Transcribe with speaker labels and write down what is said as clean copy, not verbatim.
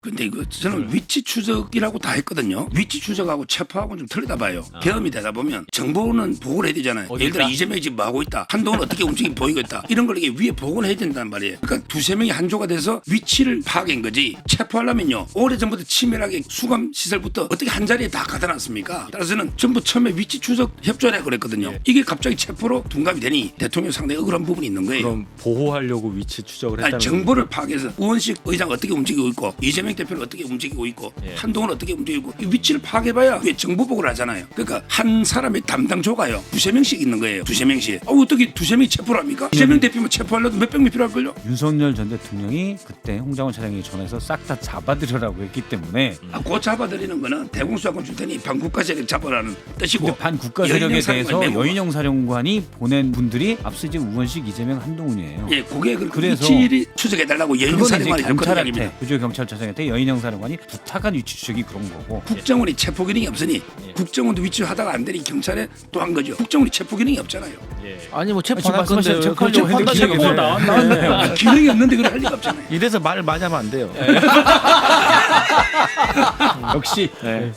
Speaker 1: 근데 이거 저는 위치 추적이라고 다 했거든요. 위치 추적하고 체포하고는 좀 틀리다 봐요. 경험이 되다 보면 정보는 보고를 해야 되잖아요.
Speaker 2: 어디
Speaker 1: 예를 들어
Speaker 2: 있다?
Speaker 1: 이재명이 지금 뭐 하고 있다. 한동훈 어떻게 움직이고 보이고 있다. 이런 걸 이게 위에 보고를 해야 된단 말이에요. 그러니까 두세 명이 한조가 돼서 위치를 파악한 거지. 체포하려면요. 오래전부터 치밀하게 수감 시설부터 어떻게 한 자리에 다 가다 놨습니까? 따라서는 전부 처음에 위치 추적 협조를 그랬거든요. 이게 갑자기 체포로 둔갑이 되니 대통령 상당히 억울한 부분이 있는 거예요.
Speaker 2: 그럼 보호하려고 위치 추적을 했다는
Speaker 1: 아니, 정보를 파악해서 우원식 의장 어떻게 움직이고 있고 이재명 대표는 어떻게 움직이고 있고
Speaker 2: 예.
Speaker 1: 한동훈 어떻게 움직이고 이 위치를 파악해봐야 왜 정보 보고를 하잖아요. 그러니까 한 사람의 담당조가요. 두세 명씩 있는 거예요. 두세 명씩. 어떻게 두세 명이 체포를 합니까? 이재명 대표만 체포하려도 몇 병이 필요할걸요?
Speaker 3: 윤석열 전 대통령이 그때 홍장원 차장이 전화해서 싹 다 잡아들여라고 했기 때문에
Speaker 1: 그 잡아들이는 거는 대공수사권 줄 테니 반국가 세력 잡아라는 뜻이고
Speaker 3: 근데 반국가 세력에
Speaker 1: 여인영 사령관이
Speaker 3: 대해서
Speaker 1: 메모가.
Speaker 3: 여인영 사령관이 보낸 분들이 앞서 이제 우원식, 이재명, 한동훈이에요.
Speaker 1: 예, 그게 그
Speaker 3: 그래서
Speaker 1: 위치를 추적해달라고 여인영
Speaker 3: 그건 이제
Speaker 1: 사령관이 할
Speaker 3: 경찰한테
Speaker 1: 겁니다.
Speaker 3: 부주경찰차장한테 여인영 사령관이 부탁한 위치 추적이 그런 거고
Speaker 1: 국정원이 체포 기능이 없으니 국정원도 위치를 하다가 안 되니 경찰에 또 한 거죠. 국정원이 체포 기능이 없잖아요.
Speaker 4: 아니 뭐
Speaker 3: 지금
Speaker 4: 체포할 건데
Speaker 3: 말씀하신 체포하려고 했는데
Speaker 4: 체포가
Speaker 3: 기능이
Speaker 4: 나왔나요?
Speaker 1: 기능이 없는데 그걸 할 리가 없잖아요.
Speaker 4: 이래서 말을 많이 하면 안 돼요.
Speaker 3: 역시
Speaker 4: 네.